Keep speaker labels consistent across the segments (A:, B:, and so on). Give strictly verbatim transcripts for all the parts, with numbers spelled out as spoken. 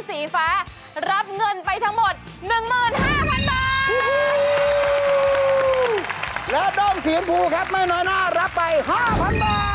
A: สีฟ้ารับเงินไปทั้งหมด หนึ่งหมื่นห้าพัน บาท
B: และด้อมสีชมพูครับไม่น้อยหน้ารับไป ห้าพัน บาท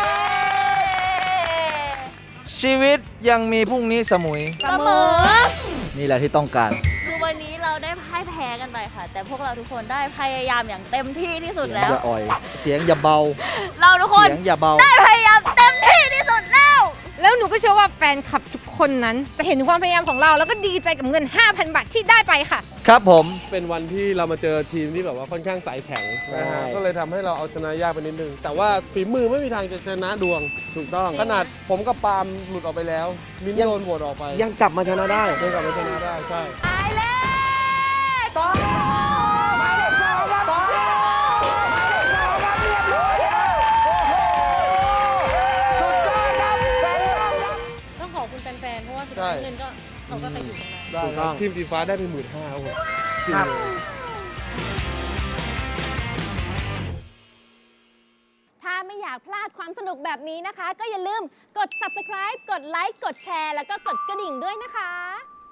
C: ชีวิตยังมีพรุ่งนี้สมุย
A: เสมอ
C: นี่แหละที่ต้องการ
A: คือวันนี้เราได้พ่ายแพ้กันไปค่ะแต่พวกเราทุกคนได้พยายามอย่างเต็มที่ที่สุดแล้ว
C: เสียงอย่าอ่อยเสียงอย่าเบา
A: เราทุกคน
C: เสียงอย่าเบา
A: ได้พยายามเต็มที่ที่สุดแล้ว
D: แล้วหนูก็เชื่อว่าแฟนคลับทุกคนนั้นจะเห็นถึงความพยายามของเราแล้วก็ดีใจกับเงิน ห้าพัน บาทที่ได้ไปค่ะ
C: ครับผม
E: เป็นวันที่เรามาเจอทีมที่แบบว่าค่อนข้างสายแข็งนะฮะก็เลยทำให้เราเอาชนะยากไปนิดนึงแต่ว่าฝีมือไม่มีทางจะชนะดวงถูกต้องขนาดผมกับปาล์มหลุดออกไปแล้วมิ้นโดนโหวตออกไป
F: ยังกลับมาชนะได้
E: ยังกลับมาชนะได้ใช่
A: ตายแล้ว
B: สองหมายเลขสองครับสองหมายเลขสองครับเรียบร้อยแล้วโอ้โหสุดยอดครับแฟนครับ
A: ต้องขอบคุณแฟนๆเพราะว่าสุดท้ายเงินก็เขาก็ไปอยู่ตรงนั้น
E: ได้ครับทีมสีฟ้าได้ไปหมื่นห้าครับผม
A: ถ้าไม่อยากพลาดความสนุกแบบนี้นะคะก็อย่าลืมกด ซับสไครบ์ กดไลค์ กดแชร์ แล้วก็กดกระดิ่งด้วยนะคะ